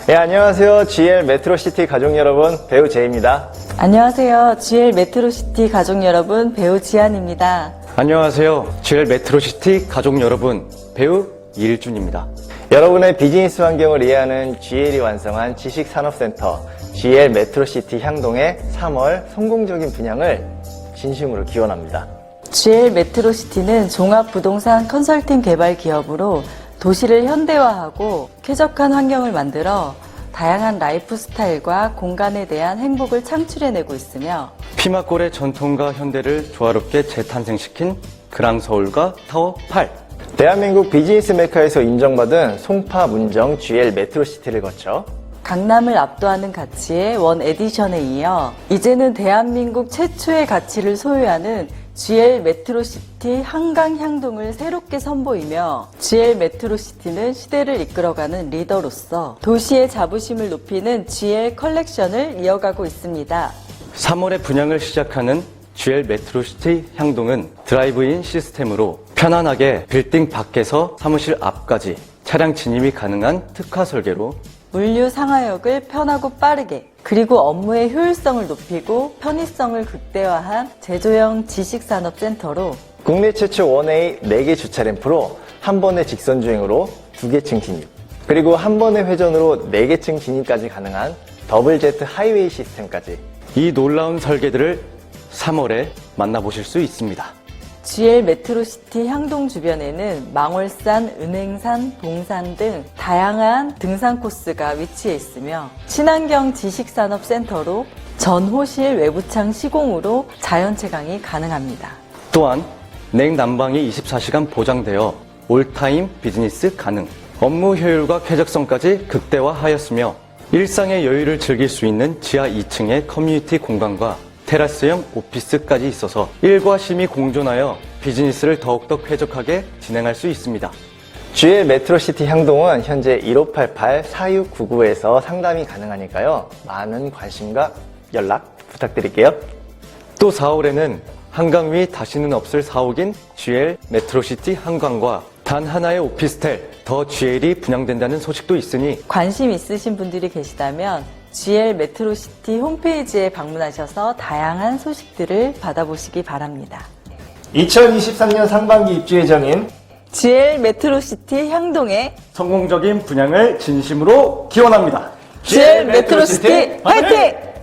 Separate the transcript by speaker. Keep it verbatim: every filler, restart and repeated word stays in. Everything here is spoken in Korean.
Speaker 1: 네, 안녕하세요. 지엘 메트로시티 가족 여러분, 배우 제이입니다.
Speaker 2: 안녕하세요. 지엘 메트로시티 가족 여러분, 배우 지안입니다.
Speaker 3: 안녕하세요. 지엘 메트로시티 가족 여러분, 배우 이일준입니다.
Speaker 1: 여러분의 비즈니스 환경을 이해하는 지엘이 완성한 지식산업센터 지엘 메트로시티 향동의 삼월 성공적인 분양을 진심으로 기원합니다.
Speaker 2: 지엘 메트로시티는 종합부동산 컨설팅 개발 기업으로 도시를 현대화하고 쾌적한 환경을 만들어 다양한 라이프 스타일과 공간에 대한 행복을 창출해내고 있으며
Speaker 3: 피막골의 전통과 현대를 조화롭게 재탄생시킨 그랑서울과 타워 팔.
Speaker 1: 대한민국 비즈니스 메카에서 인정받은 송파, 문정, 지엘 메트로시티를 거쳐
Speaker 2: 강남을 압도하는 가치의 원 에디션에 이어 이제는 대한민국 최초의 가치를 소유하는 지엘 메트로시티 한강 향동을 새롭게 선보이며 지엘 메트로시티는 시대를 이끌어가는 리더로서 도시의 자부심을 높이는 지엘 컬렉션을 이어가고 있습니다.
Speaker 3: 삼월에 분양을 시작하는 지엘 메트로시티 향동은 드라이브인 시스템으로 편안하게 빌딩 밖에서 사무실 앞까지 차량 진입이 가능한 특화 설계로
Speaker 2: 물류 상하역을 편하고 빠르게 그리고 업무의 효율성을 높이고 편의성을 극대화한 제조형 지식산업센터로
Speaker 1: 국내 최초 원웨이 네 개 주차 램프로 한 번의 직선 주행으로 두 개 층 진입, 그리고 한 번의 회전으로 네 개 층 진입까지 가능한 더블 제트 하이웨이 시스템까지
Speaker 3: 이 놀라운 설계들을 삼월에 만나보실 수 있습니다.
Speaker 2: 지엘 메트로시티 향동 주변에는 망월산, 은행산, 동산 등 다양한 등산 코스가 위치해 있으며 친환경 지식산업센터로 전호실 외부창 시공으로 자연채광이 가능합니다.
Speaker 3: 또한 냉난방이 이십사 시간 보장되어 올타임 비즈니스 가능, 업무 효율과 쾌적성까지 극대화하였으며 일상의 여유를 즐길 수 있는 지하 이 층의 커뮤니티 공간과 테라스형 오피스까지 있어서 일과 쉼이 공존하여 비즈니스를 더욱더 쾌적하게 진행할 수 있습니다.
Speaker 1: 지엘 메트로시티 향동은 현재 일오팔팔 사육구구에서 상담이 가능하니까요. 많은 관심과 연락 부탁드릴게요.
Speaker 3: 또 사월에는 한강 위 다시는 없을 사옥인 지엘 메트로시티 한강과 단 하나의 오피스텔 더 지엘이 분양된다는 소식도 있으니
Speaker 2: 관심 있으신 분들이 계시다면 지엘 메트로시티 홈페이지에 방문하셔서 다양한 소식들을 받아보시기 바랍니다.
Speaker 1: 이천이십삼 년 상반기 입주 예정인
Speaker 2: 지엘 메트로시티 향동의
Speaker 3: 성공적인 분양을 진심으로 기원합니다.
Speaker 2: 지엘 메트로시티 화이팅!